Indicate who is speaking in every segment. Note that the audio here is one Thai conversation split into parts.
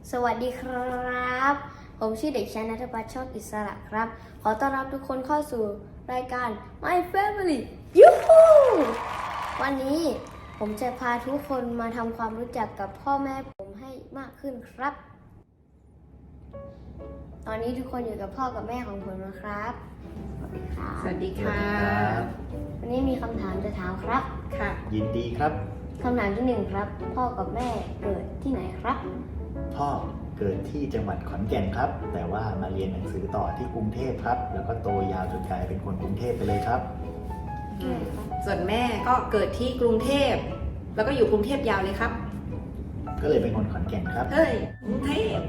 Speaker 1: สวัสดีครับ ผมชื่อเด็กชายณัฐพัฒน์ โชคอิสระครับ ขอต้อนรับทุกคนเข้าสู่รายการ My Family ยูฮูวันนี้ผมจะพาทุกคนมาทำความรู้จักกับพ่อแม่ผมให้มากขึ้นครับ ตอนนี้ทุกคนอยู่กับพ่อกับแม่ของผมนะครับ สวัสดีครับ
Speaker 2: สวัสดีค่ะ
Speaker 1: วันนี้มีคำถามจะถามครับ
Speaker 2: ค่ะ
Speaker 3: ยินดีครับ
Speaker 1: คำถามที่หนึ่งครับ พ่อกับแม่เกิดที่ไหนครับ
Speaker 3: พ่อเกิดที่จังหวัดขอนแก่นครับ แต่ว่ามาเรียนหนังสือต่อที่กรุงเทพครับ แล้วก็โตยาวจนกลายเป็นคนกรุงเทพไปเลยครับ
Speaker 2: ส่วนแม่ก็เกิดที่กรุงเทพ แล้วก็อยู่กรุงเทพยาวเลยครับ
Speaker 3: ก็เลยเป็นคนขอนแก่นครับ
Speaker 2: เฮ้ย กรุงเทพ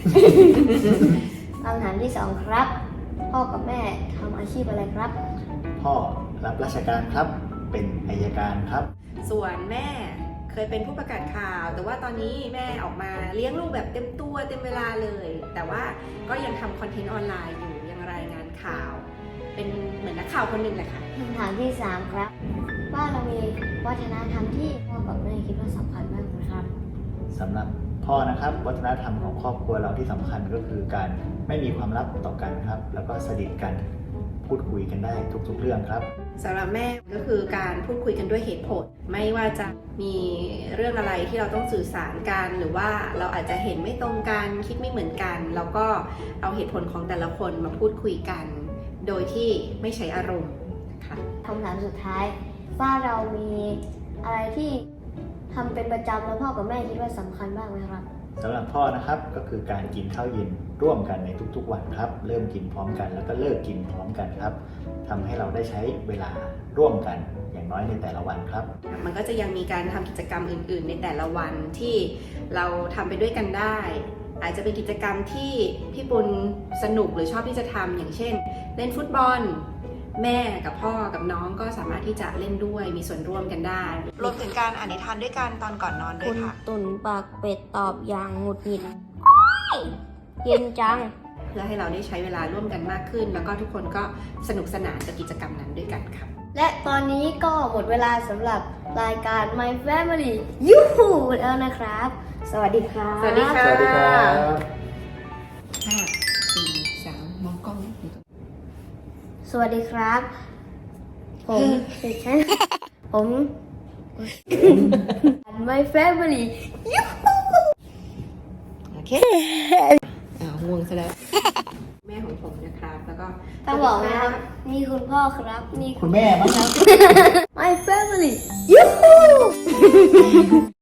Speaker 1: คำถามที่สองครับ พ่อกับแม่ทำอาชีพอะไรครับ
Speaker 3: พ่อรับราชการครับ เป็นอัยการครับ
Speaker 2: ส่วนแม่เคยเป็นผู้ประกาศข่าว แต่ว่าตอนนี้แม่ออกมาเลี้ยงลูกแบบเต็มตัวเต็มเวลาเลย แต่ว่าก็ยังทำคอนเทนต์ออนไลน์อยู่ ยังรายงานข่าว เป็นเหมือนนักข่าวคนหนึ่งแหละค่ะ
Speaker 1: คำถามที่สามครับ ว่าเรามีวัฒนธรรมที่พ่อกับแม่คิดว่าสำคัญมากนะครับ
Speaker 3: สำหรับพ่อนะครับ วัฒนธรรมของครอบครัวเราที่สำคัญก็คือการไม่มีความลับต่อกันครับ แล้วก็สนิทกันพูดคุยกันได้ทุกๆเรื่องครับ
Speaker 2: สำหรับแม่ก็คือการพูดคุยกันด้วยเหตุผล ไม่ว่าจะมีเรื่องอะไรที่เราต้องสื่อสารกันหรือว่าเราอาจจะเห็นไม่ตรงกันคิดไม่เหมือนกันแล้วก็เอาเหตุผลของแต่ละคนมาพูดคุยกัน โดยที่ไม่ใช้อารมณ์นะคะ
Speaker 1: คำถามสุดท้าย ว่าเรามีอะไรที่ทำเป็นประจำแล้วพ่อกับแม่คิดว่าสำคัญบ้างไหมครับ
Speaker 3: สำหรับพ่อนะครับก็คือการกินข้าวเย็นร่วมกันในทุกๆวันครับ เริ่มกินพร้อมกันแล้วก็เลิกกินพร้อมกันครับทำให้เราได้ใช้เวลาร่วมกันอย่างน้อยในแต่ละวันครับ
Speaker 2: มันก็จะยังมีการทำกิจกรรมอื่น ๆ ในแต่ละวันที่เราทำไปด้วยกันได้ อาจจะเป็นกิจกรรมที่พี่ปุณสนุกหรือชอบที่จะทำอย่างเช่น เล่นฟุตบอล แม่กับพ่อกับน้องก็สามารถที่จะเล่นด้วยมีส่วนร่วมกันได้ รวมถึงการอ่านนิทานด้วยกันตอนก่อนนอนด้ว
Speaker 1: คุ
Speaker 2: ย
Speaker 1: ณ
Speaker 2: ค่ะ
Speaker 1: ตุ่นปากเป็ดตอบอย่างหงุดหงิดโอ๊ยเย็นจัง
Speaker 2: เพื่อให้เราได้ใช้เวลาร่วมกันมากขึ้น แล้วก็ทุกคนก็สนุกสนานกับกิจกรรมนั้นด้วยกันค่ะ
Speaker 1: และตอนนี้ก็หมดเวลาสำหรับรายการ My Family ยูฮูแล้วนะครับ สวัสดีครับ
Speaker 2: สวัสดีค่ะ
Speaker 3: สวัสดีครับ
Speaker 2: 5 4 3 มองกล้อง
Speaker 1: สวัสดีครับ ผมเด็กชายผม My Family
Speaker 2: โอเคง่วงซะแล้ว แม่ของผมนะครับ แล้วก็
Speaker 1: ต้องบอกนะครับ นี่คุณพ่อครับ นี่
Speaker 3: คุณแม่มั้งครับ
Speaker 1: My Family ยูฮู